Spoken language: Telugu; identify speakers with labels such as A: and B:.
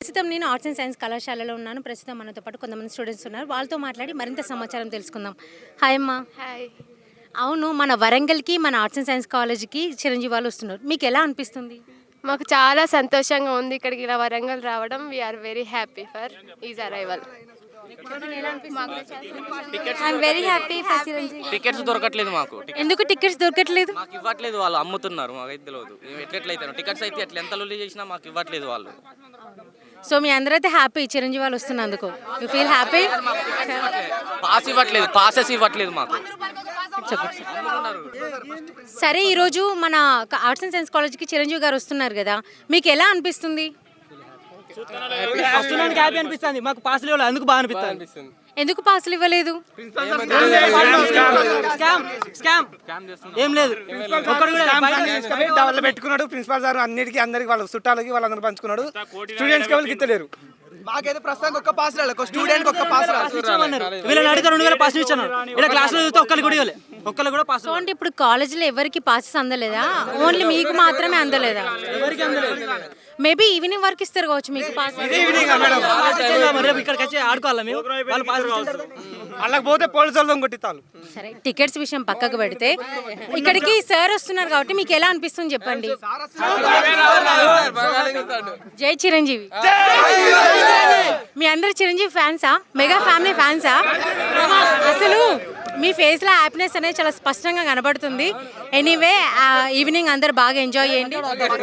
A: ప్రస్తుతం నేను ఆర్ట్స్ అండ్ సైన్స్ కళాశాలలో ఉన్నాను. ప్రస్తుతం మనతో పాటు కొంతమంది స్టూడెంట్స్ ఉన్నారు. వాళ్ళతో మాట్లాడి మరింత సమాచారం తెలుసుకుందాం. హాయ్ అమ్మా.
B: హాయ్.
A: అవును, మన వరంగల్కి మన ఆర్ట్స్ అండ్ సైన్స్ కాలేజ్కి చిరంజీవి వాళ్ళు వస్తున్నారు. మీకు ఎలా అనిపిస్తుంది?
B: మాకు చాలా సంతోషంగా ఉంది ఇక్కడికి ఇలా వరంగల్ రావడం. We're very happy for is arrival.
C: Tickets దొరకట్లేదు మాకు.
A: ఎందుకు టికెట్స్ దొరకట్లేదు?
C: మాకు ఇవ్వట్లేదు, వాళ్ళు అమ్ముతున్నారు. మాకైతే తెలియదు ఎట్లయితే టికెట్స్ అయితే ఎట్లా ఎంత లొల్లి చేసినా మాకు ఇవ్వట్లేదు వాళ్ళు.
A: సో మీ అందరైతే హ్యాపీ చిరంజీవి వాళ్ళు వస్తున్నందుకు? You feel happy?
C: పాస్ ఇవ్వట్లేదు, పాసెస్ ఇవ్వట్లేదు మాకు.
A: సరే, ఈరోజు మన ఆర్ట్స్ అండ్ సైన్స్ కాలేజ్కి చిరంజీవి గారు వస్తున్నారు కదా, మీకు ఎలా అనిపిస్తుంది?
D: హ్యాపీ అనిపిస్తుంది. మాకు పాసులు ఇవ్వాలి, అందుకు బాగా అనిపిస్తుంది.
A: ఎందుకు పాసులు ఇవ్వలేదు?
D: ఏం లేదు,
E: వాళ్ళు పెట్టుకున్నాడు ప్రిన్సిపాల్ సార్. అన్నిటికీ అందరికి వాళ్ళ చుట్టాలకి వాళ్ళందరూ పంచుకున్నాడు. స్టూడెంట్స్ ఎవరికి ఇస్తలేరు. మాకైతే ప్రస్తుతానికి ఒక్క పాస్ రాలేదు, స్టూడెంట్ ఒక్క పాస్ రాలేదు.
D: వీళ్ళని అడిగితే 2000 పాస్ ఇచ్చాను. ఇలా క్లాసులో చూస్తే ఒక్కరు కూడా ఇవ్వలేదు, ఒక్కరు కూడా పాస్.
A: సో అంటే ఇప్పుడు కాలేజీలో ఎవరికి పాసెస్ అందలేదా? ఓన్లీ మీకు మాత్రమే అందలేదా?
D: ఎవరికి అందలేదు.
A: మేబీ ఈవినింగ్ వరకు ఇస్తారు కావచ్చు మీకు పాస్.
D: ఇక్కడికి వచ్చి ఆడుకోవాలి మేము. వాళ్ళు పాస్
E: వాళ్ళకి పోతే పోలీసు వాళ్ళని కొట్టిస్తాను.
A: సరే, టికెట్స్ విషయం పక్కకు పెడితే ఇక్కడికి సార్ వస్తున్నారు కాబట్టి మీకు ఎలా అనిపిస్తుంది చెప్పండి. జై చిరంజీవి. మీ అందరు చిరంజీవి ఫ్యాన్సా? మెగా ఫ్యామిలీ ఫ్యాన్సా? అసలు మీ ఫేస్లో హ్యాపీనెస్ అనేది చాలా స్పష్టంగా కనబడుతుంది. ఎనీవే, ఈవినింగ్ అందరు బాగా ఎంజాయ్ చేయండి.